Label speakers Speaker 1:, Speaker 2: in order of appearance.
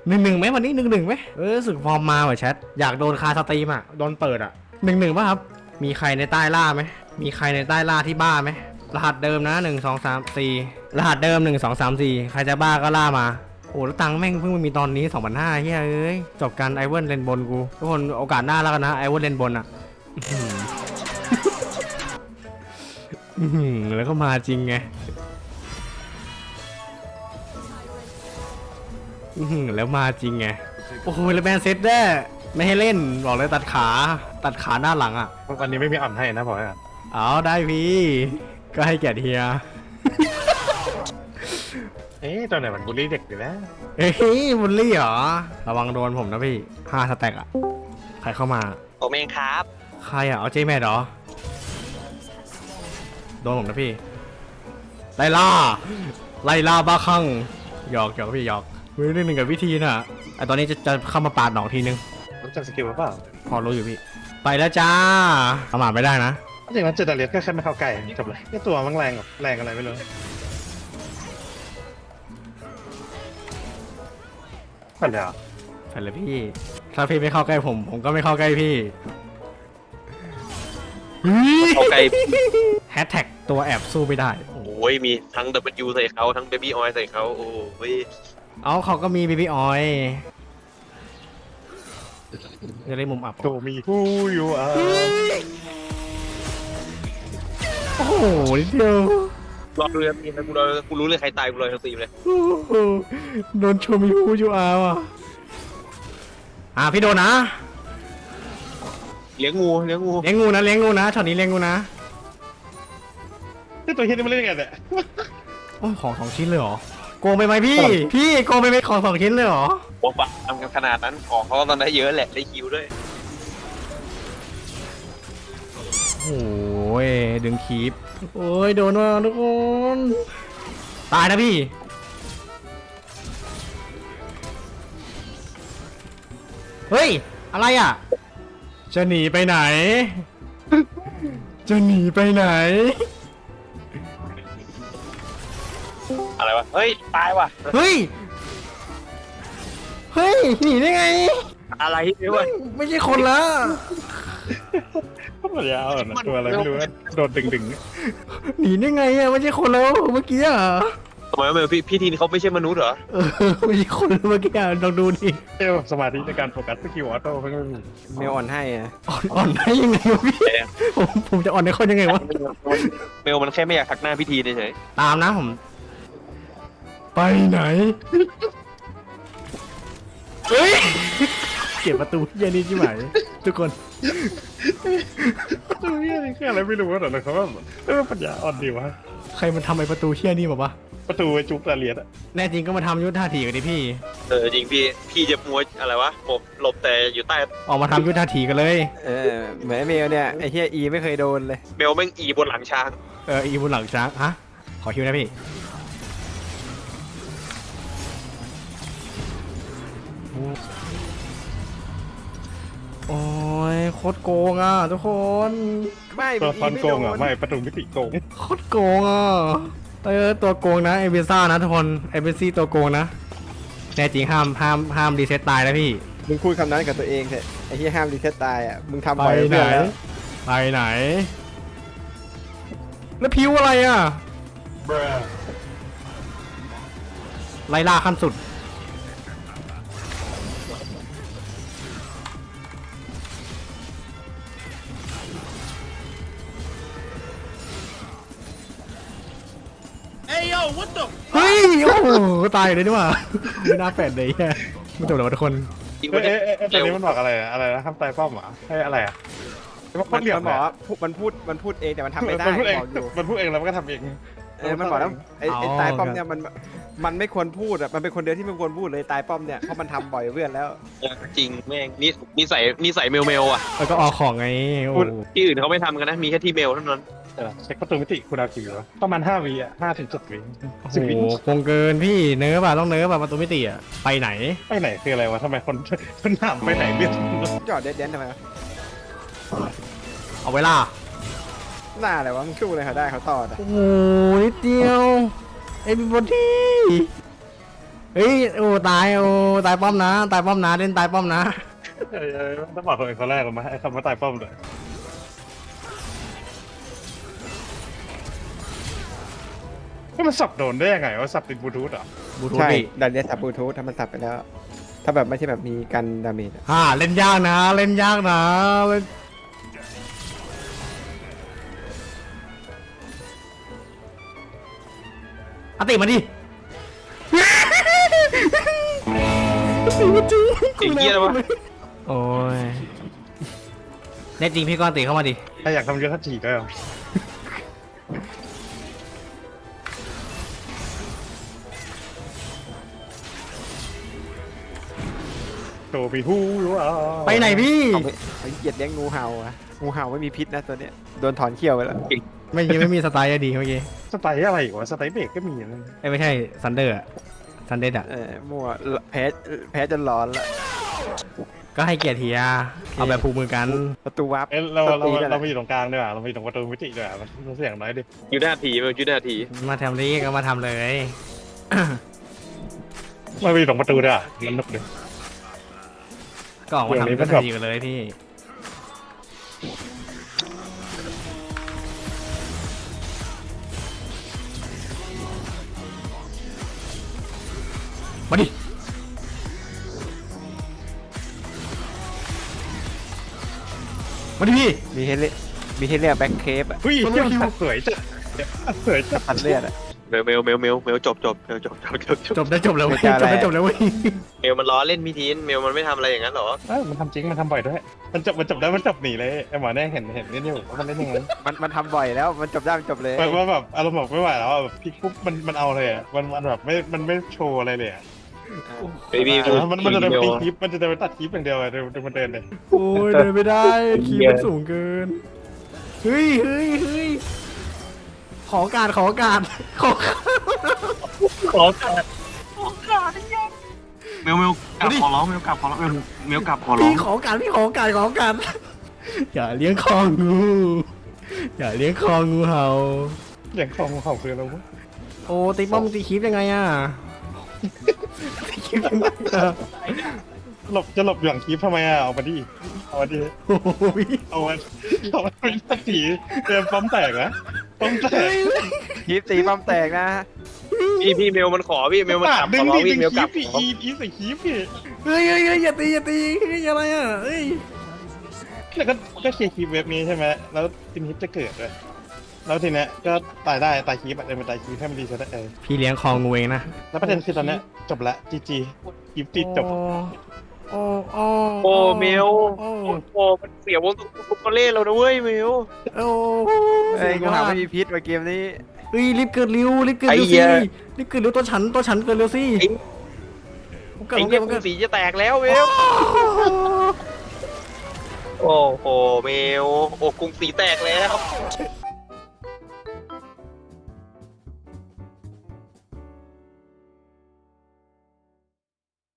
Speaker 1: 1-1ไหมวันนี้1-1ไหมรู้สึกฟอร์มมาว่ะแชทอยากโดนคาสตรีมอ่ะโดนเปิดอ่ะ1-1ป่ะครับมีใครในใต้ล่าไหมมีใครในใต้ล่าที่บ้าไหมรหัสเดิมนะ1 2 3 4รหัสเดิม1 2 3 4ใครจะบ้าก็ล่ามาโอ้แล้วตังค์แม่งเพิ่งมามีตอนนี้2,500เฮ้ยจบกันไอเวิร์นเลนบนกูทุกคนโอกาสหน้าแล้วกันนะไอเวิร์นเลนบนอ่ะแล้วก็มาจริงไงแล้วมาจริงไงโอ้โหแล้วแบนเซตได้ไม่ให้เล่นบอกเลยตัดขาหน้าหลังอ่ะ
Speaker 2: วันนี้ไม่มีอ่อนให้นะบอกให้
Speaker 1: เอาได้พี่ก็ให้แก่เฮีย
Speaker 2: ตัวไหนมันบูลลี่เด็กอยู่แล้ว
Speaker 1: เฮ้ยบุลลี่เหรอระวังโดนผมนะพี่5 สแต็กอ่ะใครเข้ามา
Speaker 3: ผมเองครับ
Speaker 1: ใครอ่ะเอาเจแม่เหรอโดนผมนะพี่ไล่ล่าบ้าคลั่งหยอกพี่หยอกมือ1กับวิธีน่ะไอตอนนี้จะเข้ามาปาดหนองทีนึง
Speaker 2: รู้จักสกิลเปล่า
Speaker 1: พอรู้อยู่พี่ไปแล้วจ้าประมาทไม่ได้นะ
Speaker 2: จริงๆมันเจดาเลียสก็แค่ไม่เข้าใกล้จบเลยนี่ตัวมันแรงอะไรไม่รู้ผ่านเลย
Speaker 1: ผ่านเลยพี่ถ้าพี่ไม่เข้าใกล้ผมก็ไม่เข้าใกล้พี่
Speaker 3: เข้าใกล้
Speaker 1: แฮชแท็กตัวแอบสู้ไม่ได้
Speaker 3: โอ้ยมีทั้ง W ใส่เขาทั้ง Baby Oil ใส่เขาโอ้ย
Speaker 1: เขาก็มี Baby Oil จะได้มุมอับ
Speaker 2: โตมีผู้อยู่
Speaker 1: โอ้โหนิดเดียว
Speaker 3: รอดูเลยพี่นะกูรู้เลยใครตายกูเลยทั้งทีเลย
Speaker 1: โดนชมีผู้อยู่ว่ะพี่โดนนะ
Speaker 3: เลี้ยงงูนะ
Speaker 1: ช็อตนี้เลี้ยงงูนะ
Speaker 2: นี่ตัวเฮียนี่มันเล่นยังไงเนี่ย
Speaker 1: โอ้ของ2 ชิ้นเลยเหรอโกงไปไหมพี่โกงไปไหมของ2 ชิ้นเลยเหรอ
Speaker 3: โอ้ปะทำกันขนาดนั้นของเขาตอนได้เยอะแหละได้คิวด้วย
Speaker 1: โอ้ยดึงคีบโอ้ยโดนว่ะทุกคนตายนะพี่เฮ้ยอะไรอ่ะจะหนีไปไหน
Speaker 3: อะไรวะเฮ้ยตายว่ะ
Speaker 1: เฮ้ยหนีได้ไง
Speaker 3: อะไรเนี่ยวะ
Speaker 1: ไม่ใช่คนละ
Speaker 2: ก็ยาวนะตัวอะไรไม่รู้โดนดึง
Speaker 1: หนีได้ไงอ่ะไม่ใช่คนแล้วเมื่อกี้อ่ะ
Speaker 3: ทำไมพี่ทีนเขาไม่ใช่มนุษย์เหรอ
Speaker 1: ไม่ใช่คนเมื่อกี้อ่ะลองดูดิ
Speaker 2: สมาธิในการโฟกัสสกิลออโต้เพิ่ง
Speaker 1: เมลอ่อนให้อ่ะอ่อนให้ยังไงวะพี่ผมจะอ่อนให้คนยังไงวะ
Speaker 3: เมลมันแค่ไม่อยากทักหน้าพี่ทีเฉย
Speaker 1: ตามนะผมไปไหนเฮ้ยเก็บประตูเย็นนี่ใช่ไหมทุกคน
Speaker 2: ประตูเฮียนี่แค่อะไรไม่รู้ว่าแต่เขาว่าปัญญาอ่อนดีวะ
Speaker 1: ใครมันทำไอ้ประตูเฮียนี่บอกว่า
Speaker 2: ประตูไอ้จุ๊บตาเลียดอะ
Speaker 1: แน่จริงก็มาทำยุทธาถีกันดิพี่
Speaker 3: จริงพี่จะมัวอะไรวะผมหลบแต่อยู่ใต้
Speaker 1: ออกมาทำยุทธาถีกันเลย
Speaker 4: เหมือนเมลเนี่ยไอ้เฮียอีไม่เคยโดนเลย
Speaker 3: เมลแม่งอีบนหลังช้าง
Speaker 1: อีบนหลังช้างฮะขอคิวนะพี่โอ้ยโคตรโกงอ่ะทุกคน
Speaker 4: ไม่
Speaker 2: ตัวตอนโกงอ่ะไม่ประตูมิติโกง
Speaker 1: โคตรโกงอ่ะตัวโกงนะเอเบซ่านะทุกคนเอเบซี่ตัวโกงนะแน่จริงห้ามรีเซ็ตตายนะพี่
Speaker 4: มึงพูดคำนั้นกับตัวเองเถอะไอ้ที่ห้ามรีเซ็ตตายอ่ะมึงทำบ่อยเพื่อนแล้ว
Speaker 1: ไปไหนแล้วพิวอะไรอ่ะไล่ล่าขั้นสุดเฮ้ยโอ้โหตายเลยนี่หว่าไม่น่าแปลกเลยไม่จบแล้วทุกคน
Speaker 2: ตอนนี้มันบอกอะไรนะคำตายป้อมเหรอให้อะไรอ่ะ
Speaker 4: มันบอกมันพูดเองแต่มันทำไม่ได้
Speaker 2: มันพูดเองแล้วมันก็ทำเอง
Speaker 4: มันบอกแล้วไอ้ตายป้อมเนี่ยมันไม่ควรพูดอ่ะมันเป็นคนเดียวที่ไม่ควรพูดเลยตายป้อมเนี่ยเพราะมันทำบ่อยเพื่อนแล้ว
Speaker 3: จริงแม่งนิสัยเมลอ่ะ
Speaker 1: แล้วก็ออกของไง
Speaker 3: ที่อื่นเขาไม่ทำกันนะมีแค่ที่เมลเท่านั้น
Speaker 2: เช็คประตูมิติคุณเอากี่วะประมาณ5 วิอ่ะ5 ถึง 7 วิ
Speaker 1: 10 วิคงเกินพี่เนื้อป่ะต้องเนื้อป่ะประตูมิติอ่ะไปไหน
Speaker 2: คืออะไรวะทำไมคนถามไปไหนเรื่อง
Speaker 4: จอดเด็ดทำไม
Speaker 1: เอาเวลา
Speaker 4: หน้าอะไรวะมึงสู้เลยเขาได้เขาต่อ
Speaker 1: โอ้ยนิดเดียวเอ็มบอดี้เฮ้ยโอ้ตายโอ้ตายป้อมนะตายป้อมนะเล่นตายป้อมนะ
Speaker 2: ต้องบอกคนคนแรกเลยมั้ยไอ้คำว่าตายป้อมเลยก็มันสับโดนได้ยังไงว่าสับติดบลูทูธอ่ะ
Speaker 1: บลูทูธ
Speaker 4: ใช่
Speaker 1: ดิ
Speaker 4: ดันเนียสับบลูทูธถ้ามันสับไปแล้ว ถ้าแบบไม่ใช่แบบมีกันดาเมจอะ
Speaker 1: เล่นยากนะเล่นยากนะเล่นอติมาดิ
Speaker 3: อีกเยี่ยแล้ววะ
Speaker 1: โอ้ยแน่จริงพี่ก้อนติเข้ามาดิ
Speaker 2: ถ้าอยากทำยุทธจีก็เอาโตปีฮู้ว้า
Speaker 1: ไปไหนพี่
Speaker 4: เขาเหยียดเลี้ยงงูเห่าอะงูเห่าไม่มีพิษนะตัวเนี้ยโดนถอนเขี้ยวไปแล้ว
Speaker 1: ไม่มีสไตล์อะดีเมื่อกี้
Speaker 2: สไตล์อะไรอีกวะสไตล์เบรกก็มีนะ
Speaker 1: ไม่ใช่ซันเดอร์ซันเดอร์อะ
Speaker 4: มั่วแพ้จนร้อนละ
Speaker 1: ก็ให้เกียรติเฮียเอาแบบผูกมือกัน
Speaker 4: ประตูวาร์ป
Speaker 2: เอ้ยเรา
Speaker 4: ตีนั่นแหละ
Speaker 2: มาอยู่ตรงกลางด้วยว่ะเรามาอยู่ตรงประตูมิติด้วยว่ะมันเสียงน้อยดิ
Speaker 3: อยู่หน้าทีมันอยู่หน้าที
Speaker 1: มาทำนี้ก็มาทำเลย
Speaker 2: มาอยู่ตรงประตูด้วยว่ะมันนุกดิ
Speaker 1: ก็ออกมา
Speaker 2: อย่างนี้
Speaker 1: ทำ
Speaker 2: มั
Speaker 1: ก็
Speaker 2: นแบบ
Speaker 1: ดีกันเลยพี่มาดิมาดิพี่
Speaker 4: มีให้เล่นแบ็คเคปอะ
Speaker 2: เฮ้ยเที่ยวสวยจัดสวยจัด
Speaker 4: พันเลือดอะ
Speaker 3: เมลจบ
Speaker 1: จบได้จบแล้วเว้ย
Speaker 4: ไม่กล้า
Speaker 1: จบได้
Speaker 4: อะไร
Speaker 1: จบแล้วเว้ย
Speaker 3: เมลมันล้อเล่นพี่ทีนเมลมันไม่ทำอะไรอย่างนั้นหรอ
Speaker 2: มันทำจริงมันทำบ่อยด้วยมันจบได้มันจบหนีเลยไอ้หมอเนี่ยเห็นนี่อยู่ว่ามันเล่นยังไง
Speaker 4: มันทำบ่อยแล้วมันจบได้มันจบเลย
Speaker 2: ว่าแบบอารมณ์แบบไม่ไหวแล้วแบบพลิกปุ๊บมันเอาเลยอ่ะมันแบบไม่โชว์อะไรเลยอ่ะ
Speaker 3: เบบี้
Speaker 2: มันจะเดินไปคลิปมันจะเดินไปตัดคลิปอย่างเดียวอ่ะเดินมันเดินเลย
Speaker 1: โอ้ยเดินไม่ได้คีย์มันสูงเกินเฮ้ยขอโอกาสขอโอกาส
Speaker 3: เมลกลับขอร้องเมลกลับขอร้องเมลกลับขอร้อ
Speaker 1: พี่
Speaker 3: ง
Speaker 1: ขอโอกาสพี่ขอโอกาสขอโอกาสอย่าเลี้ยงคองูอย่าเลี้ยงคองูเห่า
Speaker 2: อย่างของเขาคืออะไรวะ
Speaker 1: โอ้ตีป้อมตีคลิปยังไงอะตีคลิปยังไงอะ
Speaker 2: จะหลบอย่างคลิปทำไมอ่ะเอามาดิเอามาดิ
Speaker 1: โอ้ย
Speaker 2: เอามาเป็นสักทีเตรียมป้อมแตกนะป้อมแตก
Speaker 4: คลิปตีป้อมแตกนะ
Speaker 3: พี่เมลมันขอพี่เมลมันกลับ
Speaker 2: ดึ
Speaker 3: ของ ร้อง
Speaker 2: ดิ
Speaker 3: พี่
Speaker 2: ดึง
Speaker 3: เมล
Speaker 2: ค
Speaker 3: ก
Speaker 2: ลิ
Speaker 3: ลั
Speaker 2: ป
Speaker 3: บ
Speaker 2: พี่อีใส่คลิปพี่
Speaker 1: เฮ้ยอย่าตีเฮ้ยอะไรอะเฮ้ย
Speaker 2: แล้วก็เคลียร์คลิปเว็บนี้ใช่ไหมแล้วทีนี้จะเกิดเลยแล้วทีเนี้ยก็ตายได้ตายคลิปอ่ะเดินไปตายคลิปให้มันดีซะได้
Speaker 1: พี่เลี้ยงคองูเองนะ
Speaker 2: แล้วประเด็นคือตอนเนี้ยจบละจีจีคลิปติดจบ
Speaker 1: โอ้
Speaker 3: โอ้เมลโอ้มันเสียวงตัวเล่เรานะเว้ยเมล
Speaker 1: โอ้
Speaker 4: เอ้ยงูเห่าไม่มีพิษว่ะเกมนี้
Speaker 1: เฮ้ยรีบเกิดเร็วสิรีบเกิดเร็วตัวฉันเกิดเร็วสิ
Speaker 3: ไอ้เนี่ยสีจะแตกแล้วเมลโอ้โหเมลโอ้กรุงสีแตกแล้ว